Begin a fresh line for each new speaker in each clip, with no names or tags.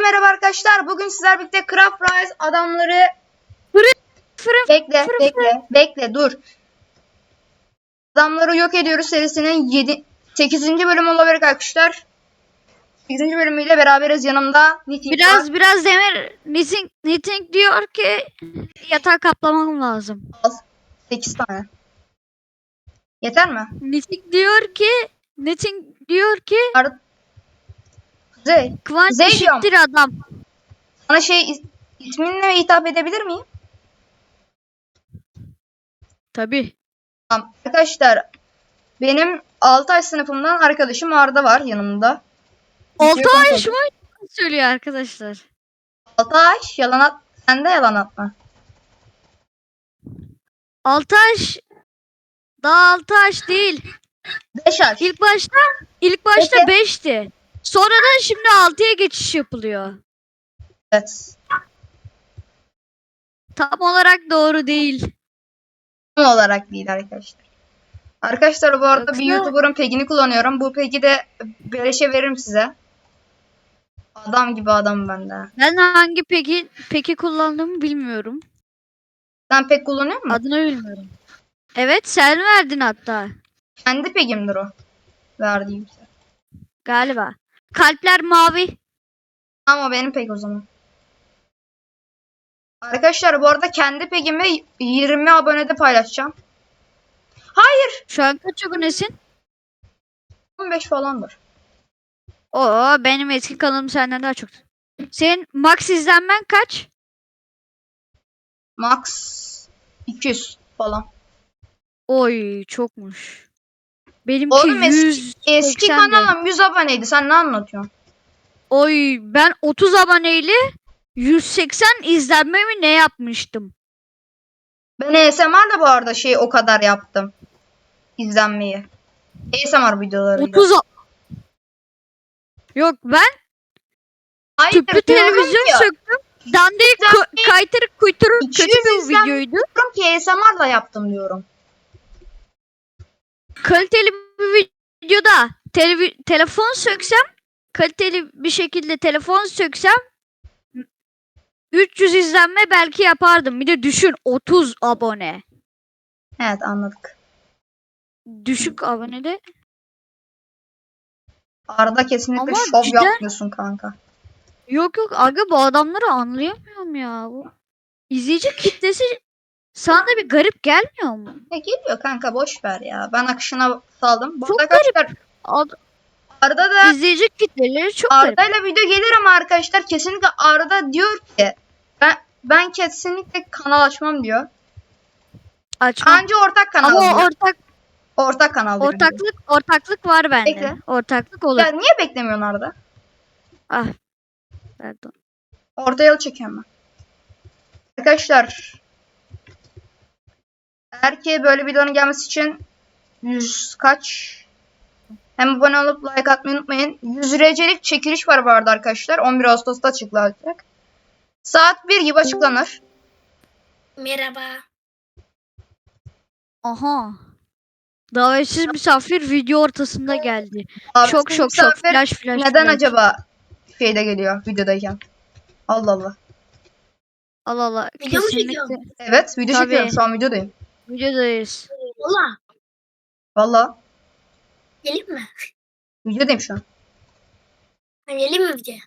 merhaba arkadaşlar. Bugün sizler birlikte Craft Rise adamları bekle dur. Adamları yok ediyoruz serisinin 8. bölümü olabilir arkadaşlar. 8. bölümüyle beraberiz. Yanımda Nitin var.
Biraz Demir Knitting diyor ki yatağı kaplamam lazım.
8 tane. Yeter mi?
Knitting diyor ki
Kuzey.
Kıvanç
Kuzey
eşittir adam.
Sana isminle hitap edebilir miyim?
Tabii.
Tamam. Arkadaşlar benim Altay sınıfımdan arkadaşım Arda var yanımda.
Oltaş mı söylüyor arkadaşlar.
Altay yalan at. Sen de yalan atma.
Altaş daha Altaş değil.
5 yaş.
İlk başta 5'ti. Sonradan şimdi 6'ya geçiş yapılıyor.
Evet.
Tam olarak doğru değil.
Tam olarak değil arkadaşlar. Arkadaşlar bu arada bir
Yoksa-
YouTuber'ın pegini kullanıyorum. Bu pegi de beleşe veririm size. Adam gibi adam bende.
Ben hangi peki kullandığımı bilmiyorum.
Sen pek kullanıyor musun?
Adını bilmiyorum. Evet sen verdin hatta.
Kendi pegimdir o. Verdiğim size.
Galiba. Kalpler mavi.
Ama benim peg o zaman. Arkadaşlar bu arada kendi pegimi 20 abonede paylaşacağım. Hayır.
Şu an kaç abonesin?
15 falandır.
Oo benim eski kanalım senden daha çok. Senin max izlenmen kaç?
Max 200 falan.
Oy çokmuş. Benimki
Oğlum eski
180 de.
kanalım 100 aboneydi. Sen ne anlatıyorsun?
Oy ben 30 aboneyle 180 izlenmemi ne yapmıştım?
Ben ASMR'la bu arada o kadar yaptım. İzlenmeyi. ASMR videolarıyla.
30 Yok ben
Hayır,
tüplü
diyorum
televizyon
ki,
söktüm. Dandik kaytırık kuyturuk kötü
200
bir
izlenme
videoydu.
diyorum ki ASMR'la yaptım diyorum.
Kaliteli bir videoda telefon söksem, kaliteli bir şekilde telefon söksem 300 izlenme belki yapardım. Bir de düşün 30 abone.
Evet, anladık.
Düşük abonede.
Arada kesinlikle
Ama
şov
cidden-
yapmıyorsun kanka.
Yok aga bu adamları anlayamıyorum ya. Bu izleyici kitlesi sana da bir garip gelmiyor mu?
Geliyor kanka, boş ver ya. Ben akışına saldım. Bu
Çok
arada arkadaşlar Arda da
İzleyici kitleleri çok garip.
Arda'yla video gelir ama arkadaşlar kesinlikle Arda diyor ki ben kesinlikle kanal açmam diyor.
Açma.
Anca ortak kanal
Ama
diyor.
o
Ortak kanal diyor.
ortaklık var bende.
Bekle.
Ortaklık olur.
Ya niye beklemiyorsun Arda?
Ah. Pardon.
Orta yol çekiyorum ben. Arkadaşlar eğer ki böyle videonun gelmesi için 100 kaç? Hem abone olup like atmayı unutmayın. 100 RC'lik çekiliş var bu arada arkadaşlar. 11 Ağustos'ta açıklanacak. Saat 1 gibi açıklanır.
Merhaba.
Aha. Davetsiz misafir video ortasında geldi.
Abi,
Şok.
misafir
Flash.
Neden acaba şeyde geliyor videodayken? Allah Allah.
Allah.
Video mu
Kesinlikle.
çekiyorsun?
Evet, video
Tabii.
çekiyorum, şu an videodayım.
Videodayız.
Valla.
Valla
Gelin mi?
videodayım şu an.
Gelin mi bize?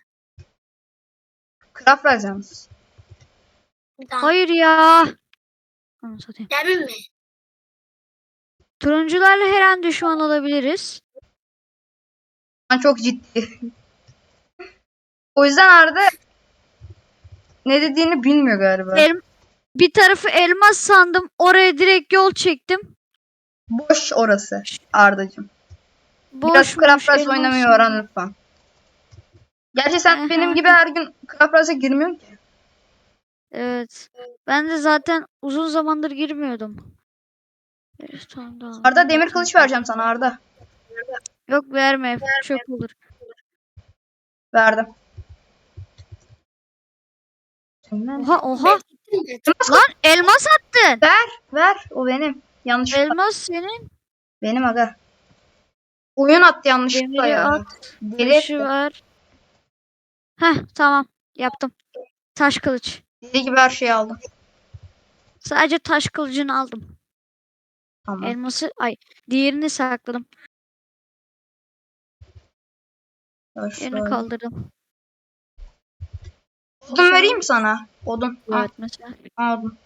Craft Rise yalnız.
Bir daha.
Hayır ya. Anam satayım.
Gelin mi?
Turuncularla her an düşman olabiliriz.
Ben çok ciddi. O yüzden Arda ne dediğini bilmiyor galiba.
Bir tarafı elmas sandım. Oraya direkt yol çektim.
Boş orası Ardacığım. Biraz
Boş
Craft Rise
elmas
oynamayı
sandım.
öğren lütfen. Gerçi sen
Aha.
benim gibi her gün Craft Rise'a girmiyorsun ki.
Evet. Ben de zaten uzun zamandır girmiyordum. Evet, tamam.
Arda demir kılıç vereceğim sana Arda.
Yok verme. Çok olur.
Verdim.
Oha. Lan elmas attın.
Ver. O benim. Yanlışlıkla.
Elmas senin.
Benim aga. Oyun attı yanlışlıkla
Demiri
ya.
at.
Deli
Taşı
etti.
ver. Heh, tamam. Yaptım. Taş kılıç.
Deli gibi her şeyi aldım.
Sadece taş kılıcını aldım.
Tamam.
Elması diğerini sakladım.
Ya
Diğerini
şöyle.
kaldırdım.
Odun vereyim sana. Odun. Al,
Evet mesela.
aldım.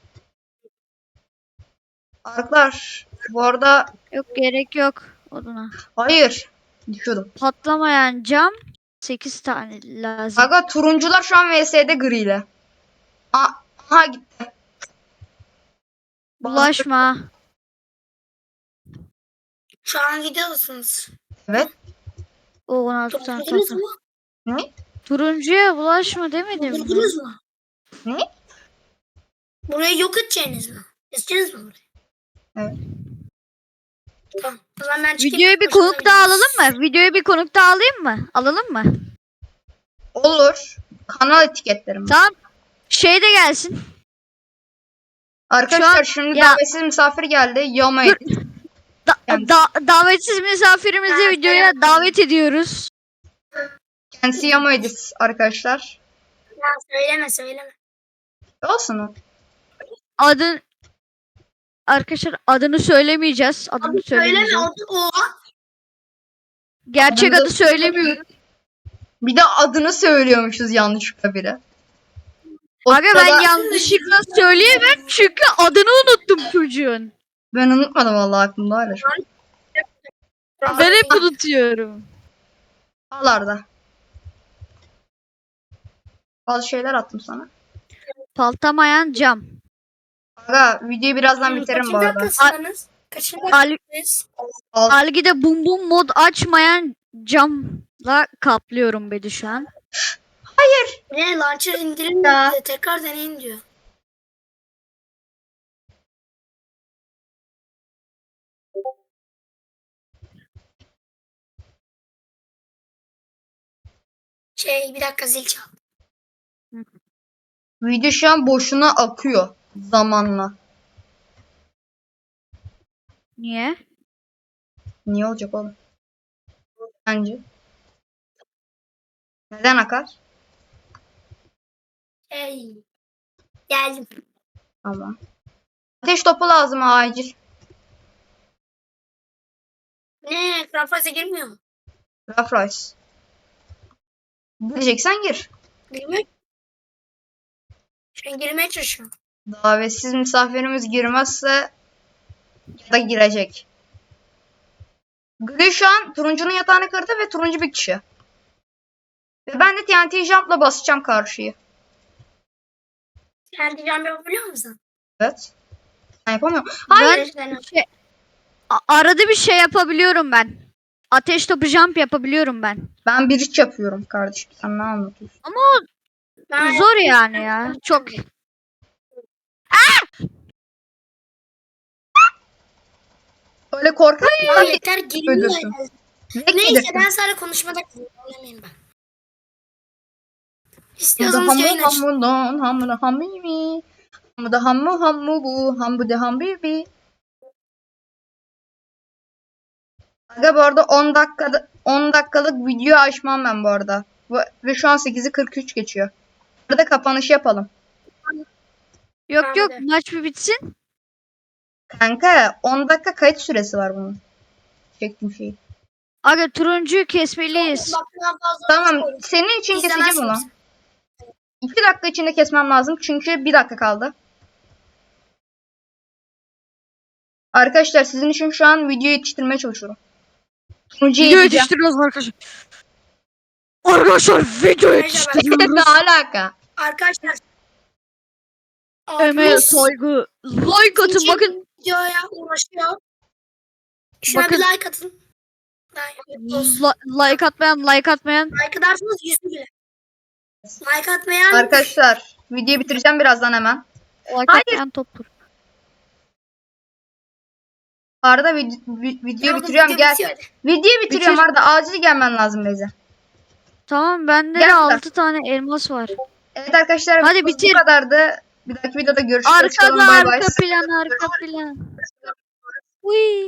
Arkadaşlar bu arada
Yok, gerek yok oduna.
hayır. Düşüyordum.
Patlamayan cam 8 tane lazım.
Aga turuncular şu an VS'de griyle. Aha gitti.
Bulaşma.
Şu an gidiyorsunuz.
Evet.
O 16 tane
Topladınız
topla.
mı?
Ne?
Turuncuya bulaşma demedim mi?
Buldunuz mu?
Ne?
Burayı yok edeceğiniz mi? İstediniz mi burayı?
Evet.
Tamam. O zaman ben çıkayım.
Videoyu bir
Başınıza
konuk daha
gidiyoruz.
alalım mı? Videoyu bir konuk daha alayım mı? Alalım mı?
Olur. Kanal etiketlerim.
Tamam. Şey de gelsin.
Arkadaşlar
Şu
şimdi
ya-
davetsiz misafir geldi. Yama
Dur.
edin. Kendisi.
Davetsiz misafirimizi videoya davet ediyoruz.
Kendisi Yama edit arkadaşlar.
Ya söyleme.
Olsun o.
Arkadaşlar adını söylemeyeceğiz. Adını
Abi söyleme
söylemeyeceğiz.
o.
Gerçek
Adını da-
adı söylemiyorum.
Bir de adını söylüyormuşuz yanlışlıkla biri. O
Aga ben
sırada-
yanlışlıkla söyleyemem çünkü adını unuttum çocuğun.
Ben unutmadım vallahi aklımda hala.
Ben hep unutuyorum.
Al Arda. Bazı şeyler attım sana.
Paltamayan cam.
Aga videoyu birazdan bitiririm bu
Kaçıncı
arada.
dakikasınız? Kaçıncı dakikasınız?
Algide bum bum mod açmayan camla kaplıyorum bedi şu an.
Ne launcher indirin
Ya.
de tekrar deneyin diyor. Bir dakika zil çal.
Video şu an boşuna akıyor zamanla.
Niye?
Niye olacak oğlum? Bence. Neden akar?
Geldim.
Tamam. Ateş topu lazım acil.
Ne? Krafaz'a girmiyor mu?
Rough Rice. Gireceksen gir.
Girmiyor. Şu an girmeye çalışıyorum.
Davetsiz misafirimiz girmezse ya da girecek. Gri şu an turuncunun yatağını kırdı ve turuncu bir kişi. Ve ben de TNT Jump'la basacağım karşıyı.
Kendi cam yapabiliyor musun?
Evet. Ben yapamıyorum. Hayır.
Arada bir şey yapabiliyorum ben. Ateş topu jump yapabiliyorum ben.
Ben bir iç yapıyorum kardeşim. Sen ne anlatıyorsun?
Ben
Zor yani ya. Çok.
Öyle korkak
Ya yeter girmiyor.
öldürsün.
ya.
Direkt
Neyse
yedirsin.
ben sadece konuşmada kullanmayayım ben.
Hamı
İstiyorsanız yayın açın.
hamudon hamuda hamimi. Hamuda hamu bu hambude hambibi. Aga bu arada 10 dakikalık video açmam ben bu arada. Ve şu an 8'i 43 geçiyor. Burada kapanış yapalım.
Yok
Bence
yok
de.
maç bir bitsin.
Kanka 10 dakika kayıt süresi var bunun. Çektim şeyi.
Aga turuncuyu kesmeliyiz.
Bak daha fazla
Tamam
koyun.
senin için keseceğim
İzlemezsiniz.
onu. 2 dakika içinde kesmem lazım çünkü 1 dakika kaldı. Arkadaşlar sizin için şu an video yetiştirmeye çalışıyorum. Turuncuyu
Video
yeteceğim.
yetiştiriyoruz arkadaşlar. Arkadaşlar video yetiştiriyoruz.
Ne alaka?
Arkadaşlar.
Emeğe
abimiz
saygı. Like atın
ikinci
bakın.
videoya uğraşıyor. Şuna
Bakın.
bir like atın.
Like atmayan.
Like ederseniz yüzü bile. Like atmayan
Arkadaşlar videoyu bitireceğim birazdan hemen.
Like
Hayır.
atmayan toptur.
Arda videoyu
Tamam,
bitiriyorum
video
gel.
bitiyor hadi.
Videoyu bitiriyorum
Bitir.
Arda acil gelmen lazım Beyza.
Tamam bende
Gel
de
burada.
6 tane elmas var.
Evet arkadaşlar
Hadi
videomuz
bitir.
bu kadardı. Bir dahaki videoda görüşürüz.
Arkada
Bay bay.
arka plan. Uy.